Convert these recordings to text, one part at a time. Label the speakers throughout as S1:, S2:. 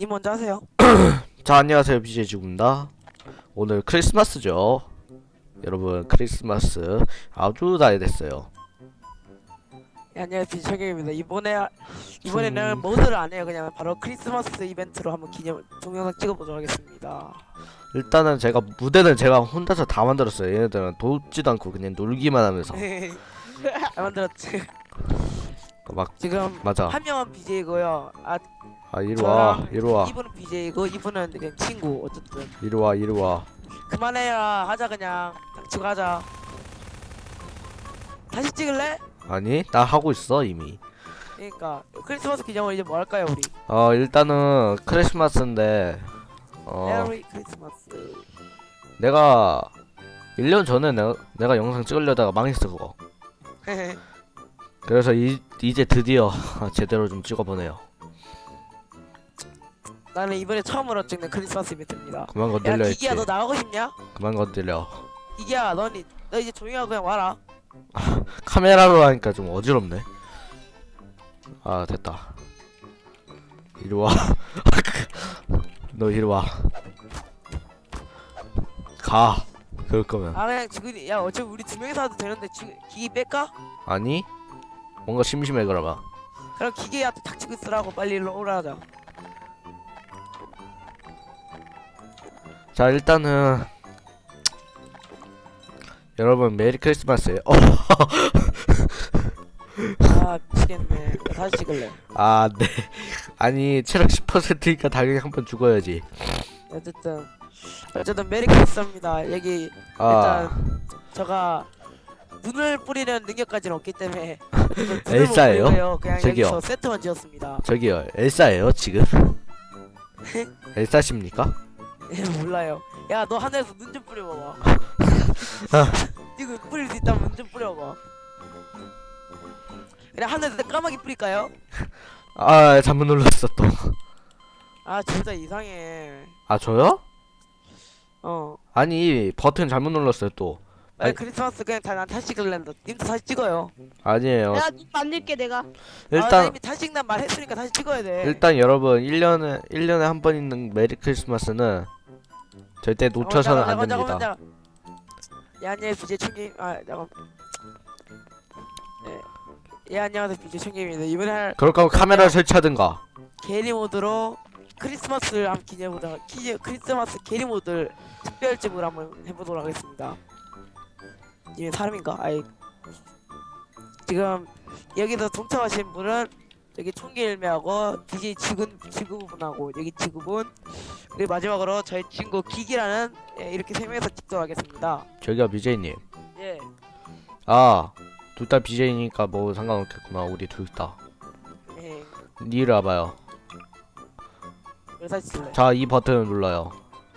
S1: 님 먼저 하세요.
S2: 자, 안녕하세요. BJ 지구입니다. 오늘 크리스마스죠. 여러분, 크리스마스 아주 잘 됐어요.
S1: 네, 안녕하세요. 정경입니다. 이번에는 모드를 안 해요. 그냥 바로 크리스마스 이벤트로 한번 기념 동영상 찍어보도록 하겠습니다.
S2: 일단은 무대는 제가 혼자서 다 만들었어요. 얘네들은 돕지도 않고 그냥 놀기만 하면서
S1: 잘 만들었지.
S2: 막
S1: 지금
S2: 맞아.
S1: 한 명은 BJ고요.
S2: 이리 와,
S1: 저랑
S2: 이리 와,
S1: 이분은 BJ고 이분은 그냥 친구. 어쨌든
S2: 이리 와, 이리 와.
S1: 그만해라. 하자 그냥. 닥치고 하자. 다시 찍을래?
S2: 아니, 나 하고 있어 이미.
S1: 그러니까 크리스마스 기념으로 이제 뭐 할까요 우리?
S2: 일단은 크리스마스인데
S1: 메리 크리스마스.
S2: 내가 1년 전에 내가 영상 찍으려다가 망했어 그거. 그래서 이제 드디어 제대로 좀 찍어보네요.
S1: 나는 이번에 처음으로 찍는 크리스마스 이벤트입니다.
S2: 그만
S1: 야
S2: 건들려 했지.
S1: 기기야 너 나가고 싶냐?
S2: 그만 건들려.
S1: 기기야 너 이제 조용히 하고 그냥 와라.
S2: 카메라로 하니까 좀 어지럽네. 됐다. 이리 와. 너 이리 와. 가. 그럴 거면.
S1: 그냥 지금 야 어차피 우리 두 명이서 해도 되는데 지금 기기 뺄까?
S2: 아니? 뭔가 심심해 그러면.
S1: 그럼 기계한테 닥치고 있으라고 빨리 일로 오라 하자.
S2: 자, 일단은 여러분 메리 크리스마스에요.
S1: 미치겠네. 나 다시 찍을래.
S2: 네. 아니, 체력 10%니까 당연히 한 번 죽어야지.
S1: 어쨌든 메리 크리스마스입니다. 여기 일단 제가 눈을 뿌리는 능력까지는 없기 때문에
S2: 엘사예요?
S1: 그냥
S2: 저기요.
S1: 여기서 세트만 지었습니다.
S2: 저기요, 엘사예요 지금? 엘사십니까?
S1: 몰라요. 야 너 하늘에서 눈 좀 뿌려봐봐. 이거 뿌릴 수 있다면 눈 좀 뿌려봐. 그냥 하늘에서 까마귀 뿌릴까요?
S2: 잘못 눌렀어 또.
S1: 진짜 이상해.
S2: 저요?
S1: 어.
S2: 아니, 버튼 잘못 눌렀어요 또. 아니,
S1: 크리스마스 그냥 난 다시 찍을랜다. 님도 다시 찍어요.
S2: 아니에요.
S3: 내가 눈 만들게 내가.
S1: 나
S2: 일단
S1: 이미 다시 찍는 말 했으니까 다시 찍어야 돼.
S2: 일단 여러분 1년에 한 번 있는 메리 크리스마스는 절대 놓쳐서는 안 됩니다.
S1: 잠깐만. 예 안녕하세요 BJ 청김. 잠깐. 예 안녕하세요 BJ 청김입니다. 이번에 할
S2: 그럴 거면 카메라를 설치하든가.
S1: 게리 모드로 크리스마스를 한번 기념보다 크리스마스 게리 모드를 특별집으로 한번 해보도록 하겠습니다. 이게 사람인가? 지금 여기서 동참하신 분은 여기 총기일매하고 DJ 지구분하고 여기 지구분 그리고 마지막으로 저희 친구 기기라는 이렇게 세 명이서 찍도록 하겠습니다.
S2: 저기요 BJ님.
S1: 예.
S2: 둘 다 BJ니까 뭐 상관없겠구나. 우리 둘 다.
S1: 예.
S2: 이리 와봐요.
S1: 여기서 쓸래.
S2: 자, 이 버튼을 눌러요.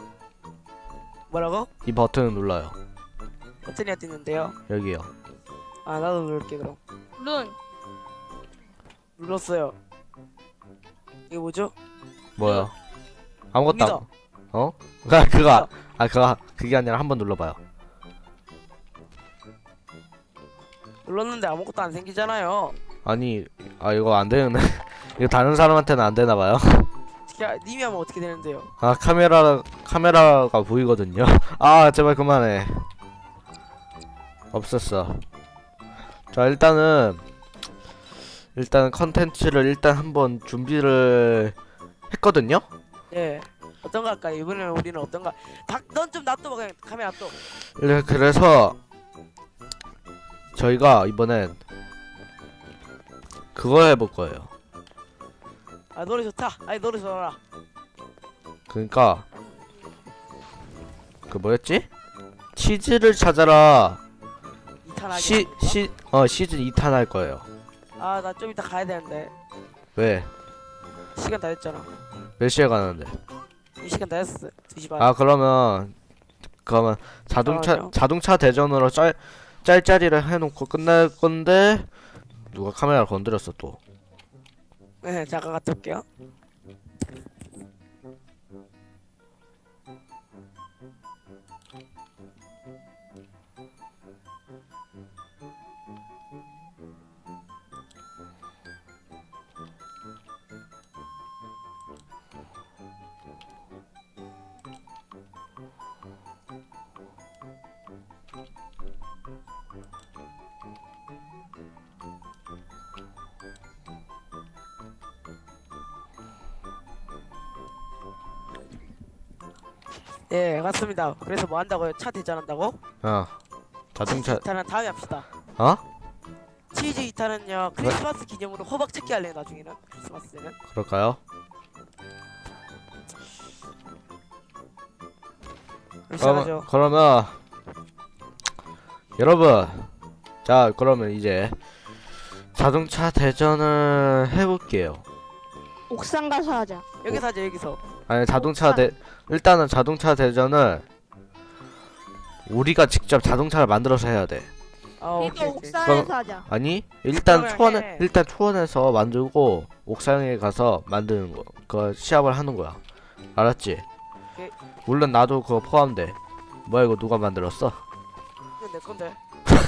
S1: 뭐라고?
S2: 이 버튼을 눌러요.
S1: 버튼이 뜨는데요.
S2: 여기요.
S1: 나도 누를게 그럼.
S3: 룬.
S1: 눌렀어요. 이거 뭐죠?
S2: 뭐야? 아무것도
S1: 옵니다.
S2: 그게 아니라 한번 눌러봐요.
S1: 눌렀는데 아무것도 안 생기잖아요.
S2: 아니, 이거 안 되는 이거 다른 사람한테는 안 되나 봐요.
S1: 님이 하면 어떻게 되는데요?
S2: 카메라가 보이거든요. 제발 그만해. 없었어. 자, 일단 컨텐츠를 일단 한번 준비를 했거든요.
S1: 예. 어떤 거 할까요? 이번에는 우리는 어떤 거? 넌 좀 놔둬봐 그냥 카메라 놔둬.
S2: 그래서 저희가 이번엔 그거 해볼 거예요.
S1: 노래 좋다. 노래 좋아라.
S2: 그러니까 그 뭐였지? 치즈를 찾아라.
S1: 2탄 하기.
S2: 시즌 2탄 할 거예요.
S1: 나 좀 이따 가야 되는데.
S2: 왜?
S1: 시간 다 됐잖아.
S2: 몇 시에 가는데?
S1: 이 시간 다 됐어. 2시 반.
S2: 그러면 자동차 대전으로 짤짤이를 해놓고 끝날 건데 누가 카메라를 건드렸어 또.
S1: 네, 잠깐 갔다 올게요. 예, 맞습니다. 그래서 뭐 한다고요? 차 대전한다고?
S2: 자동차
S1: 2탄은 다음에 합시다.
S2: 어?
S1: 치즈 2탄은요 크리스마스 기념으로 호박 찾기 할래요. 나중에는 크리스마스에는.
S2: 그럴까요?
S1: 시작하죠.
S2: 그러면 여러분, 자 그러면 이제 자동차 대전을 해볼게요.
S3: 옥상 가서 하자.
S1: 여기서 하죠. 여기서.
S2: 아니 일단은 자동차 대전을 우리가 직접 자동차를 만들어서 해야 돼.
S1: 아,
S3: 이거
S1: 오케이, 오케이.
S3: 옥상에서 하자.
S2: 아니 일단
S1: 그러면 해.
S2: 초원에서 만들고 옥상에 가서 만드는 거, 그 시합을 하는 거야. 알았지?
S1: 오케이.
S2: 물론 나도 그거 포함돼. 뭐야 이거 누가 만들었어?
S1: 이건 내 건데.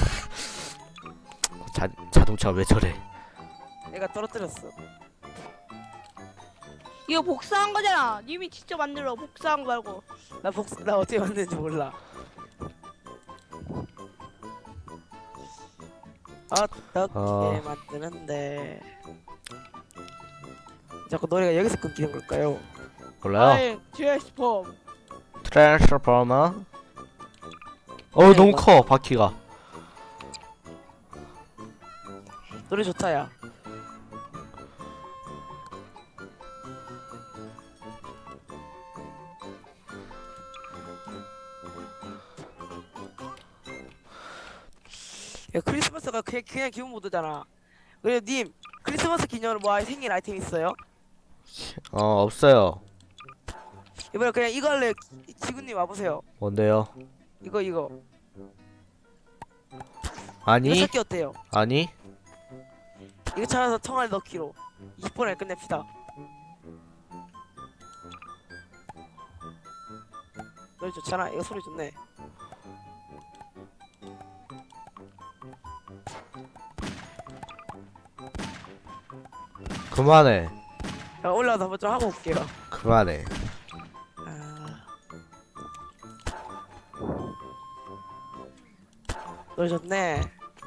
S2: 자동차 왜 저래?
S1: 내가 떨어뜨렸어.
S3: 이거 복사한 거잖아. 님이 직접 만들어. 복사한 거 말고.
S1: 나 어떻게 만드는지 몰라. 어떻게 만드는데? 자꾸 노래가 여기서 끊기는 걸까요?
S2: 몰라요?
S3: 아이, 트랜스폼.
S2: 트랜스포머?
S1: 네,
S2: 너무
S1: 이거.
S2: 커 바퀴가.
S1: 노래 좋다 야. 야 크리스마스가 그냥 기본 모드잖아. 그래 님 크리스마스 기념으로 뭐 생일 아이템 있어요?
S2: 없어요.
S1: 이번에 그냥 이거 할래. 지구님 와보세요.
S2: 뭔데요?
S1: 이거 이거
S2: 아니
S1: 찾기 어때요?
S2: 아니
S1: 이거 찾아서 청알 넣기로 20분에 끝냅시다. 노래 좋잖아. 이거 소리 좋네.
S2: 그만해.
S1: 자 올라가서 한번 좀 하고 올게요.
S2: 그만해.
S1: 노래 좋네.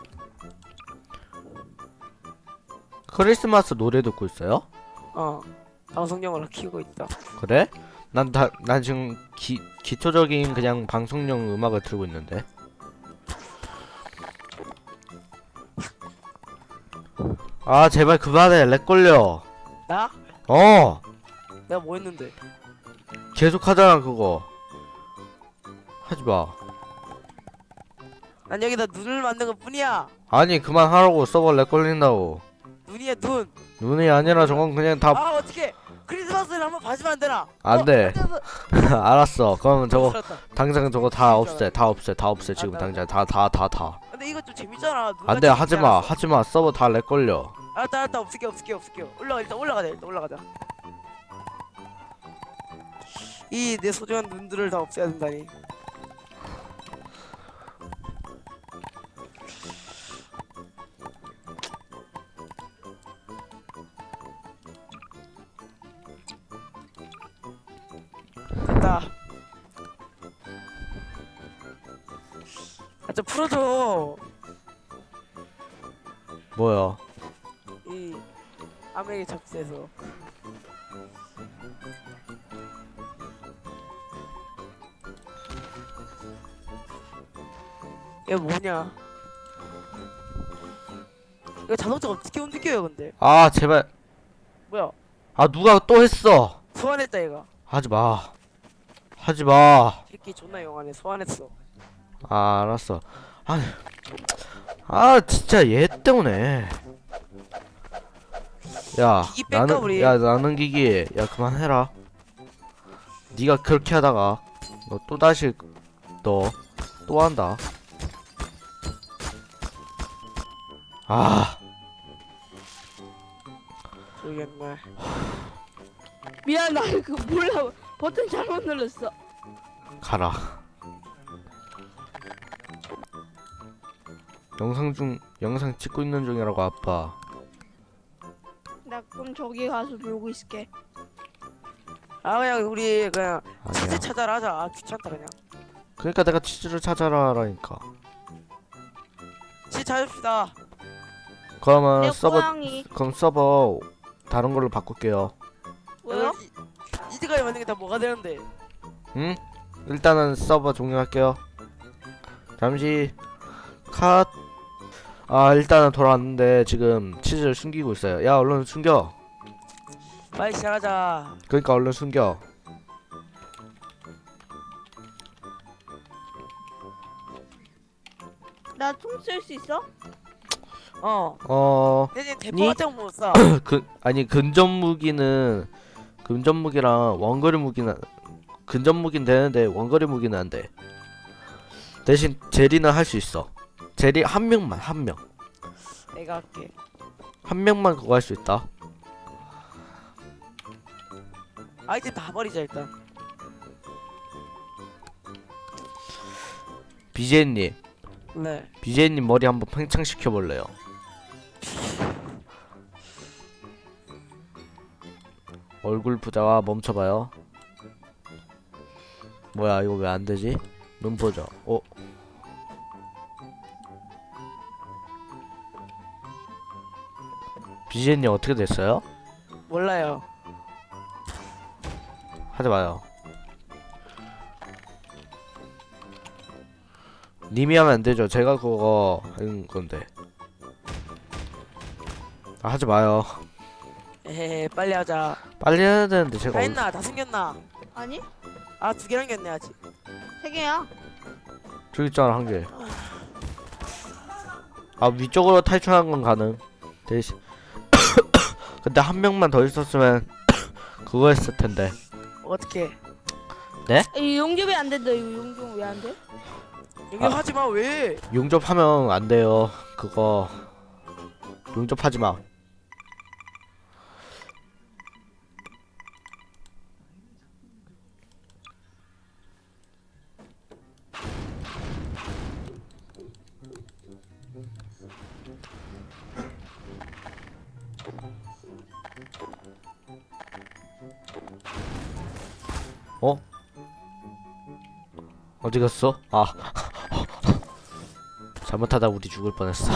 S2: 크리스마스 노래 듣고 있어요?
S1: 방송용으로 키우고 있다.
S2: 그래? 난 지금 기초적인 그냥 방송용 음악을 틀고 있는데. 아 제발 그만해. 렉 걸려.
S1: 나?
S2: 내가
S1: 뭐 했는데?
S2: 계속 하잖아 그거. 하지마.
S1: 난 여기다 눈을 만든 것 뿐이야.
S2: 아니 그만하라고. 서버 렉 걸린다고.
S1: 눈이야 눈.
S2: 눈이 아니라 저건 그냥 다
S1: 어떻게 크리스마스를 한번 봐주면 안 되나?
S2: 안 돼. 알았어. 그러면 저거
S1: 살았다.
S2: 당장 저거 다 없애. 다 없애 지금 당장 다.
S1: 근데 이거 좀 재밌잖아.
S2: 안돼. 하지마. 서버 다 렉 걸려.
S1: 알았다 없을게. 일단 올라가자. 이 내 소중한 눈들을 다 없애야 된다니. 됐다. 좀 풀어줘.
S2: 뭐야?
S1: 이 아메리 잡스에서. 이거 뭐냐? 이거 자동차가 어떻게 움직여요 근데?
S2: 아 제발.
S1: 뭐야?
S2: 아 누가 또 했어?
S1: 소환했다 얘가.
S2: 하지마.
S1: 새끼 존나 영하네. 소환했어.
S2: 아 알았어. 진짜 얘 때문에. 야
S1: 기기 뺄까, 우리?
S2: 나는 기기. 야 그만해라. 네가 그렇게 하다가 너 또다시 너 또 한다.
S1: 모르겠네.
S3: 미안, 나 그 몰라. 버튼 잘못 눌렀어.
S2: 가라. 영상 찍고 있는 중이라고 아빠.
S3: 나 그럼 저기 가서 놀고 있을게.
S1: 그냥 우리 그냥 치즈
S2: 아니야.
S1: 찾아라 하자. 귀찮다 그냥.
S2: 그러니까 내가 치즈를 찾아라라니까.
S1: 치즈 찾읍시다.
S2: 그러면
S3: 내 고양이.
S2: 그럼 서버 다른 걸로 바꿀게요.
S3: 뭐요?
S1: 이제까지 만든 게 다 뭐가 되는데?
S2: 응? 일단은 서버 종료할게요. 잠시 컷. 아 일단은 돌아왔는데 지금 치즈를 숨기고 있어요. 야 얼른 숨겨.
S1: 빨리 시작하자.
S2: 그러니까 얼른 숨겨.
S3: 나 총 쓸 수 있어?
S1: 대신 대포
S2: 니?
S1: 같은 거못 써.
S2: 아니 근접무기는 근접무기랑 원거리 무기는 근접무기는 되는데 원거리 무기는 안 돼. 대신 제리는 할 수 있어. 제리 한 명만 한 명.
S1: 내가 할게.
S2: 한 명만 그거 할 수 있다.
S1: 아이템 다 버리자 일단.
S2: BJ님,
S1: 네.
S2: BJ님 머리 한번 팽창시켜 볼래요? 얼굴 부자와 멈춰봐요. 뭐야 이거 왜 안 되지? 눈 보자. BJ님 어떻게 됐어요?
S1: 몰라요.
S2: 하지 마요. 님이 하면 안 되죠. 제가 그거 하는 건데. 아, 하지 마요.
S1: 에헤 빨리 하자.
S2: 빨리 해야 되는데
S1: 다
S2: 제가
S1: 했나? 다 생겼나?
S3: 아니?
S1: 아 2개 남겼네 아직.
S3: 3개야.
S2: 저기 있잖아 한 개. 아 위쪽으로 탈출하는 건 가능. 대신 근데 한 명만 더 있었으면 그거 했을 텐데.
S1: 어떻게?
S3: 이 용접이 안 된다. 이거 용접 왜 안 돼?
S1: 여기 하지 마 왜?
S2: 용접하면 안 돼요. 그거 용접하지 마. 어? 어디 갔어? 아 잘못하다 우리 죽을 뻔했어.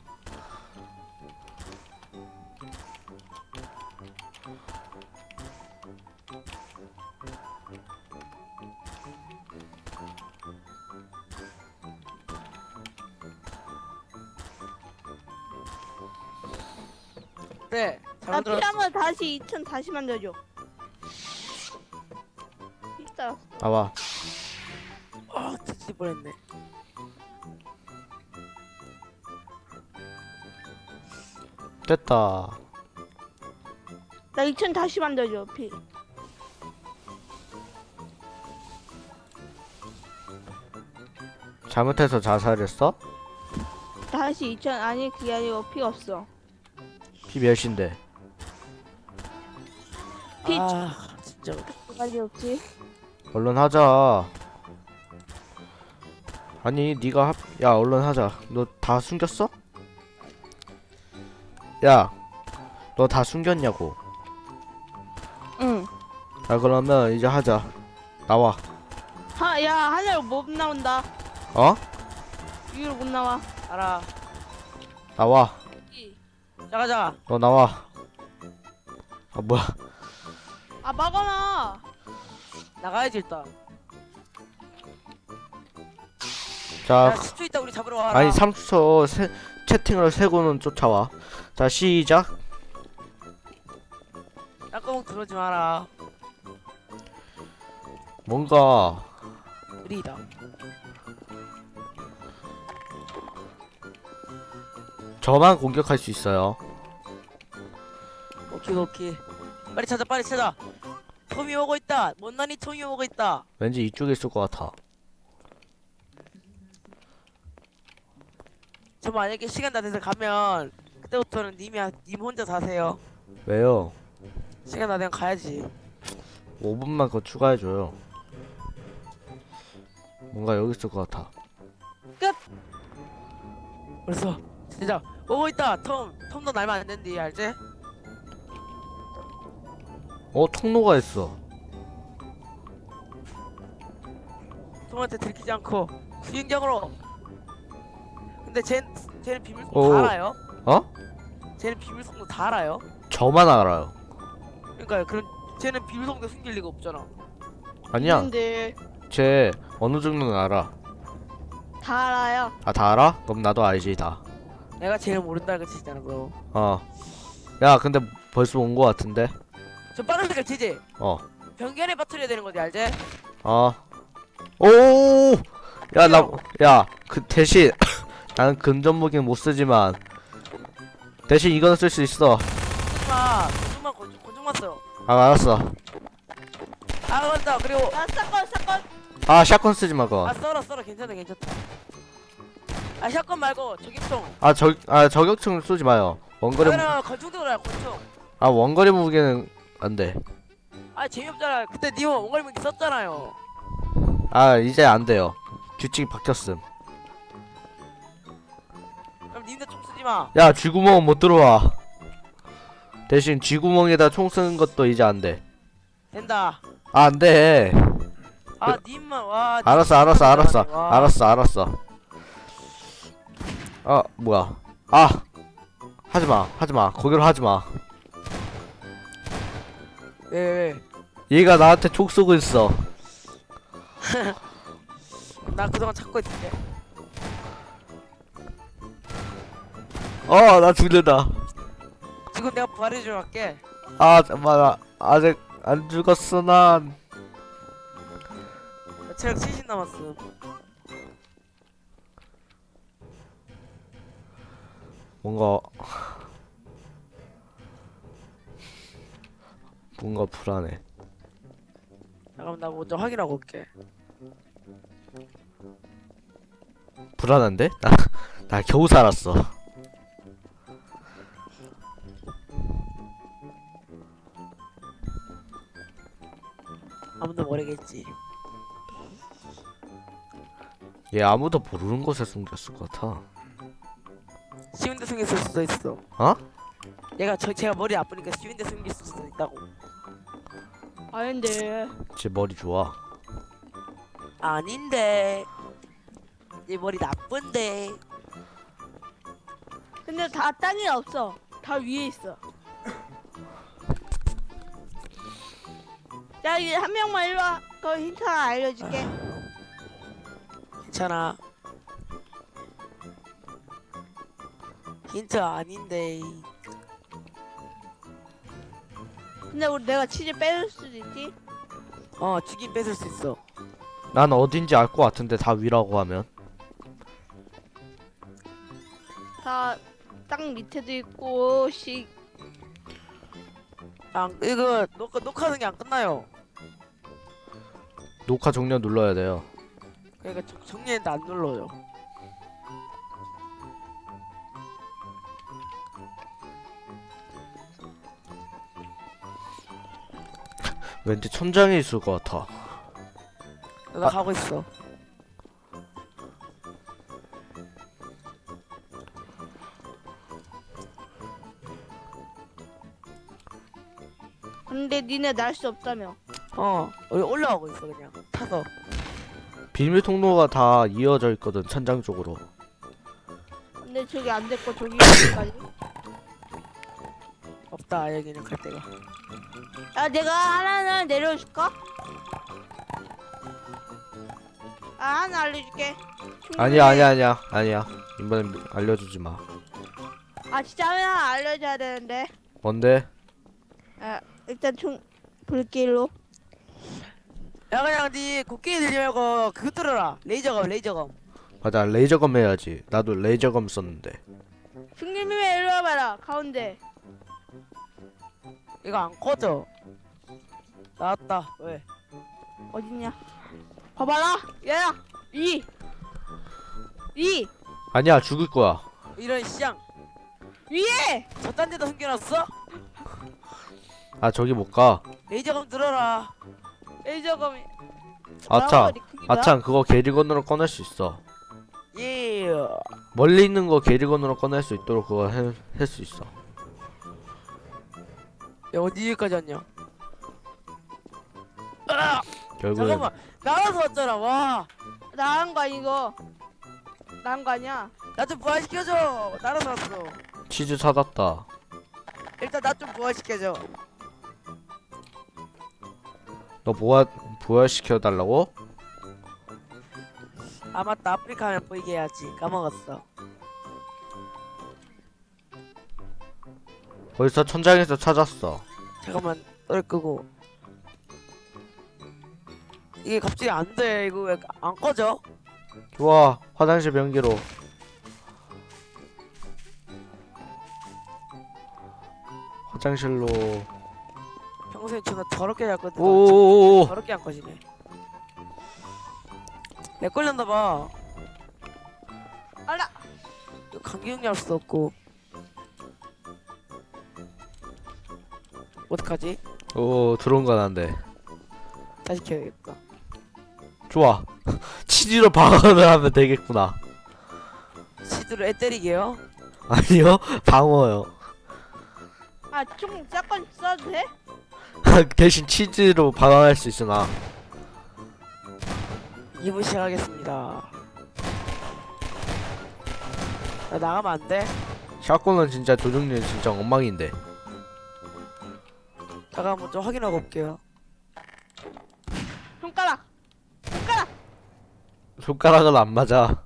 S1: 네.
S3: 나
S1: 잘못 들었어.
S3: 필요하면 다시 2000 다시 만들어줘. 있다.
S2: 나와.
S1: 아 뒤질 뻔했네.
S2: 됐다.
S3: 나 2000 다시 만들어줘.
S2: 잘못해서 자살했어?
S3: 다시 2000 아니 그게 아니고 피 없어.
S2: 피 몇인데?
S3: 피
S1: 아 진짜.
S3: 두 가지 없지.
S2: 얼른 하자. 아니 네가 야 얼른 하자. 너 다 숨겼어? 야 너 다 숨겼냐고.
S3: 응.
S2: 자 그러면 이제 하자. 나와.
S3: 야 하늘 못 나온다.
S2: 어?
S3: 위로 못 나와.
S1: 알아.
S2: 나와.
S1: 나가자.
S2: 너 나와. 아 뭐야.
S3: 아 막아놔.
S1: 나가야지 일단.
S2: 자
S1: 야 10초 있다 우리 잡으러 와라.
S2: 아니 3초 채팅을 세고는 쫓아와. 자 시작.
S1: 땅구멍 들어오지 마라.
S2: 뭔가
S1: 우리다.
S2: 저만 공격할 수 있어요.
S1: 오케이 오케이. 빨리 찾아 빨리 찾아. 톰이 오고 있다. 못난이 톰이 오고 있다.
S2: 왠지 이쪽에 있을 것 같아.
S1: 저 만약에 시간 다 돼서 가면 그때부터는 님 혼자 사세요.
S2: 왜요?
S1: 시간 다 되면 가야지.
S2: 5분만 더 추가해줘요. 뭔가 여기 있을 것 같아.
S1: 벌써 진짜 오고 있다. 톰도 날면 안 된디 알지?
S2: 통로가 있어.
S1: 톰한테 들키지 않고 수영장으로. 근데 쟤는 비밀송도
S2: 오.
S1: 다 알아요?
S2: 어?
S1: 쟤는 비밀송도 다 알아요?
S2: 저만 알아요.
S1: 그러니까 그럼 쟤는 비밀송도 숨길 리가 없잖아.
S2: 아니야.
S3: 근데
S2: 쟤 어느 정도는 알아.
S3: 다 알아요.
S2: 아, 다 알아? 그럼 나도 알지 다.
S1: 내가 제일 모른다는 거 치잖아 그럼.
S2: 야, 근데 벌써 온 거 같은데.
S1: 저 빠른 색깔 치지?
S2: 어.
S1: 변기안에 빠뜨려야 되는 거지 알지?
S2: 오! 야, 그 대신 나는 금전 무기는 못 쓰지만 대신 이거는 쓸 수 있어.
S1: 권총만 권총만 써.
S2: 아, 알았어.
S1: 아 맞다. 그리고
S3: 아 사건.
S2: 아, 샷건 쓰지 마, 그거.
S1: 썰어 괜찮다. 아 샷건 말고 저격총.
S2: 저격총 쏘지 마요. 원거리
S1: 그러면 권총 들어라 권총.
S2: 원거리 무기는 안 돼.
S1: 아 재미없잖아. 그때 니가 원거리 무기 썼잖아요.
S2: 아, 이제 안 돼요. 규칙이 바뀌었음.
S1: 그럼 님들 총 쓰지 마.
S2: 야, 쥐구멍은 못 들어와. 대신 쥐구멍에다 총 쓰는 것도 이제 안 돼.
S1: 된다.
S2: 아, 안 돼.
S1: 아 님만 와.
S2: 알았어. 뭐야. 하지마. 거기로 하지마.
S1: 왜?
S2: 얘가 나한테 총 쏘고 있어.
S1: 나 그동안 찾고 있을게.
S2: 나 죽는다.
S1: 지금 내가 부활해주러 갈게.
S2: 잠깐만. 나 아직 안 죽었어, 난.
S1: 나 체력 70 남았음.
S2: 뭔가 불안해.
S1: 잠깐만 나 먼저 확인하고 올게.
S2: 불안한데? 나 겨우 살았어.
S1: 아무도 모르겠지.
S2: 얘 아무도 모르는 곳에 숨겼을 것 같아.
S1: 쉬운 데 숨겼을 수도 있어.
S2: 어?
S1: 제가 머리 아프니까 쉬운 데 숨길 수도 있다고.
S3: 아닌데.
S2: 쟤 머리 좋아.
S1: 아닌데. 이 머리 나쁜데.
S3: 근데 다 땅에 없어. 다 위에 있어. 야, 이제 한 명만 일로 와. 그럼 힌트 하나 알려줄게.
S1: 괜찮아. 힌트 아닌데.
S3: 근데 내가 치즈 빼줄 수도 있지.
S1: 죽인 뺏을 수 있어.
S2: 난 어딘지 알 것 같은데 다 위라고 하면.
S3: 다 땅 밑에도 있고
S1: 이거 녹화하는 게 안 끝나요.
S2: 녹화 종료 눌러야 돼요.
S1: 그러니까 정리했는데 안 눌러요.
S2: 왠지 천장에 있을 것 같아.
S1: 나 가고 있어.
S3: 근데 니네 날 수 없다며.
S1: 우리 올라가고 있어 그냥 타서.
S2: 비밀 통로가 다 이어져 있거든, 천장 쪽으로.
S3: 근데 저기 안 됐고 저기 어디까지?
S1: 없다 여기는 갈 데가.
S3: 야, 내가 하나는 내려줄까? 하나 알려줄게.
S2: 아니야. 이번엔 알려주지 마.
S3: 진짜 하나 알려줘야 되는데.
S2: 뭔데?
S3: 일단 총 불길로.
S1: 야 그냥 니 곡괭이 들지 말고 그거 들어라. 레이저검.
S2: 맞아, 레이저검 해야지. 나도 레이저검 썼는데.
S3: 중님이 일로 와봐라. 가운데.
S1: 이거 안 꺼져. 나왔다. 왜?
S3: 어딨냐? 봐봐라. 얘야. 이.
S2: 아니야, 죽을 거야.
S1: 이런 시장.
S3: 위에.
S1: 저딴 데다 숨겨놨어?
S2: 저기 못 가.
S1: 레이저검 들어라.
S3: 레이저검이.
S2: 아참, 그거 게리건으로 꺼낼 수 있어.
S1: 예.
S2: 멀리 있는 거 게리건으로 꺼낼 수 있도록 그거 할 수 있어.
S1: 야 어디까지 왔냐?
S2: 결국에
S1: 잠깐만 나와서 왔잖아. 와.
S3: 나간 거 아니고. 나간 거 아니야.
S1: 나 좀 부활시켜줘. 날아서 왔어.
S2: 치즈 찾았다.
S1: 일단 나 좀 부활시켜줘.
S2: 너 부활시켜 달라고?
S1: 아 맞다, 아프리카 하면 보이게 해야지. 까먹었어.
S2: 벌써 천장에서 찾았어.
S1: 잠깐만, 노래 끄고. 이게 갑자기 안 돼. 이거 왜 안 꺼져?
S2: 좋아. 화장실 변기로. 화장실로.
S1: 평소에 존나 더럽게 잤거든.
S2: 오오오오.
S1: 더럽게 안 꺼지네. 내 걸렸나 봐.
S3: 알라.
S1: 이거 감기 용이할 수도 없고. 어떡하지?
S2: 오, 들어온 건 안 돼.
S1: 다시 켜야겠다.
S2: 좋아. 치즈로 방어를 하면 되겠구나.
S1: 시드로 애 때리게요?
S2: 아니요, 방어요.
S3: 총 샷건 써도 돼?
S2: 대신 치즈로 방어할 수 있으나.
S1: 2부 시작하겠습니다. 나 나가면 안 돼?
S2: 샷건은 진짜 조종률 진짜 엉망인데.
S1: 잠깐 먼저 확인하고 올게요.
S3: 손가락.
S2: 손가락은 안 맞아.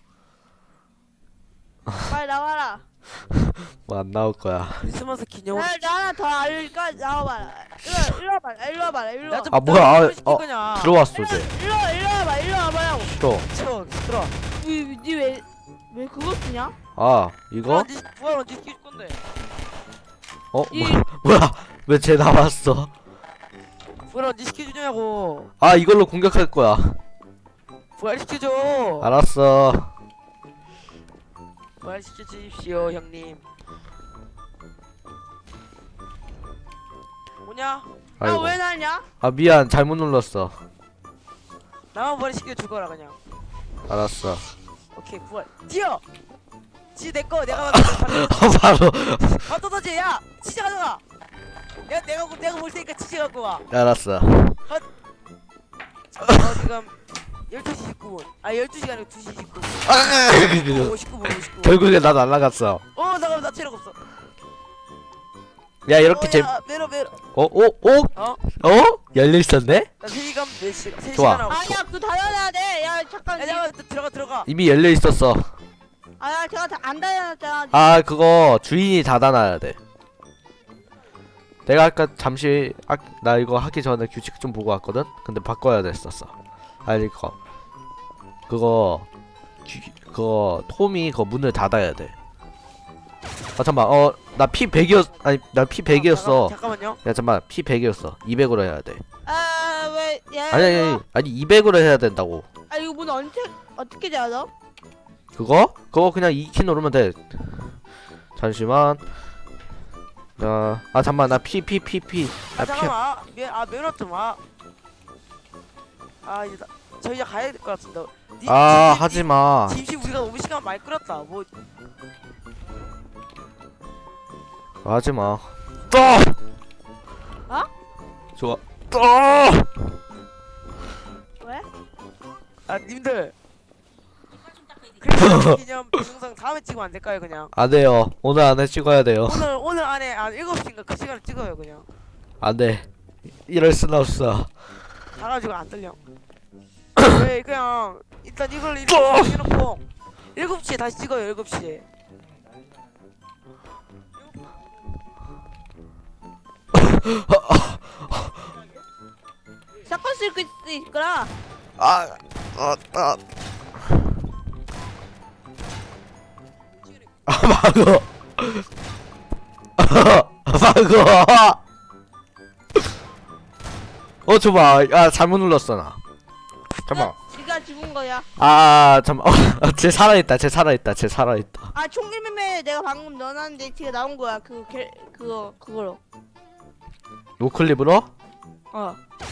S3: 빨리 나와라.
S2: 뭐 안 나올 거야.
S1: 크리스마스 기념으로.
S3: 나 하나 더 알까? 나와봐라. 일로 와봐라.
S2: 아, 뭐야, 들어왔어
S3: 일로
S2: 이제.
S3: 일로 와봐요.
S2: 또.
S1: 싫어, 들어.
S3: 왜 그거 쓰냐?
S2: 아, 이거?
S1: 부활 언제 시킬 건데?
S3: 이-
S2: 뭐야? 왜 쟤 나왔어?
S1: 부활 언제 시켜주냐고.
S2: 아, 이걸로 공격할 거야.
S1: 부활 시켜줘.
S2: 알았어.
S1: 부활 시켜주십시오, 형님. 뭐냐?
S2: 아이고.
S3: 왜 나냐?
S2: 아, 미안, 잘못 눌렀어.
S1: 나만 부활 시켜 죽어라 그냥.
S2: 알았어.
S1: 오케이, 부활. 뛰어. 지 내거 내가 만든
S2: 바로.
S1: 떠지. 야, 치즈 가져가. 내가 볼 테니까 치즈 갖고 와.
S2: 알았어.
S1: 지금 12시 19분. 아, 12시가 아니고 2시 19분.
S2: 아,
S1: 59분, 59분.
S2: 결국에 나 날라갔어.
S1: 잠깐만, 나 체력 없어.
S2: 야, 이렇게 재.
S1: 야, 메로.
S2: 어? 열려 있었네?
S1: 나 세기감 몇 시? 3시간
S2: 좋아.
S1: 하고.
S3: 아니야, 그거 닫아놔야 돼. 야, 잠깐.
S1: 야, 잠깐만, 들어가.
S2: 이미 열려 있었어.
S3: 제가 안 닫아놨잖아.
S2: 아, 그거 주인이 닫아놔야 돼. 내가 아까 잠시 나 이거 하기 전에 규칙 좀 보고 왔거든. 근데 바꿔야 됐었어. 아니 그거 톰이 그 문을 닫아야 돼. 아 잠만, 나 피 100이었 아니 나 피 100이었어.
S1: 잠깐만요.
S2: 야 잠만, 피 100이었어. 200으로 해야 돼.
S3: 왜? 야,
S2: 아니 200으로 해야 된다고.
S3: 이거 문 어떻게 닫아?
S2: 그거 그냥 2키 누르면 돼. 잠시만. 잠만, 나 피.
S1: 잠깐만. 메로 좀 와. 이제 저 이제 가야 될 것 같은데.
S2: 하지마.
S1: 짐시 우리가 너무 시간 많이 끌었다. 뭐
S2: 하지마. 좋아.
S3: 왜?
S1: 님들. 크리스마스 기념 동영상 다음에 찍으면 안 될까요, 그냥?
S2: 안 돼요. 오늘 안에 찍어야 돼요.
S1: 오늘 안에 7시인가 그 시간에 찍어요, 그냥.
S2: 안 돼. 이럴 순 없어.
S1: 가가지고 안 들려. 왜 그냥 일단 이걸 이렇게 해놓고 7시에 다시 찍어요. 7시에.
S3: 샷건 쓸 수 있구나.
S2: 막어. 막어. 줘봐. 잘못 눌렀어 나. 잠깐.
S3: 지가 죽은 거야.
S2: 잠깐. 쟤 살아있다.
S3: 총기매매 내가 방금 넣어놨는데 지가 나온 거야. 그거로.
S2: 노클립으로?
S3: 어.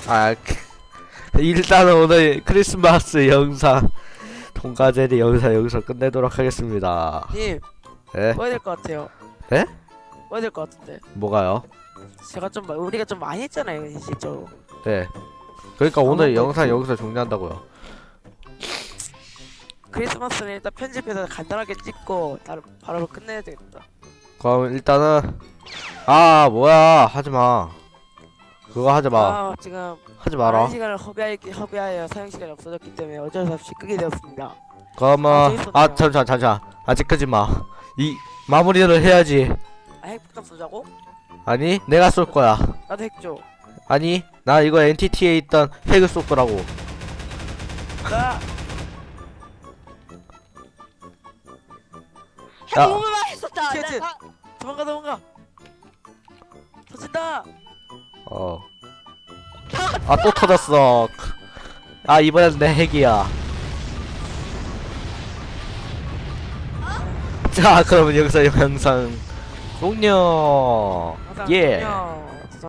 S2: 일단은 오늘 크리스마스 영상 통과제리 영상 여기서 끝내도록 하겠습니다.
S1: 님,
S2: 네?
S1: 뭐 해야 될 것 같아요?
S2: 네?
S1: 뭐 해야 될 것 같은데?
S2: 뭐가요?
S1: 우리가 좀 많이 했잖아요, 실제로.
S2: 네. 그러니까 오늘 영상 여기서 종료한다고요.
S1: 크리스마스는 일단 편집해서 간단하게 찍고 바로 끝내야 되겠다.
S2: 그럼 일단은 뭐야, 하지마. 그거 하지 마.
S1: 아, 지금
S2: 하지
S1: 많은
S2: 마라.
S1: 시간을 허비하여 사용 시간이 없어졌기 때문에 어쩔 수 없이 끄게 되었습니다.
S2: 그러면
S1: 재밌었네요.
S2: 잠시만 아직 끄지 마. 이 마무리를 해야지.
S1: 아, 핵폭탄 쏘자고?
S2: 아니 내가 쏠 거야.
S1: 나도 핵 줘.
S2: 아니 나 이거 NTT에 있던 핵을 쏠 거라고.
S1: 나
S2: 야.
S3: 너무 맛있었다.
S1: 쟤, 쟤.
S3: 나
S1: 도망가. 터진다.
S2: 어. 아 또 터졌어. 아 이번엔 내 핵이야. 자 그러면 여기서 영상 종료.
S1: 항상
S2: 예.
S1: 안녕.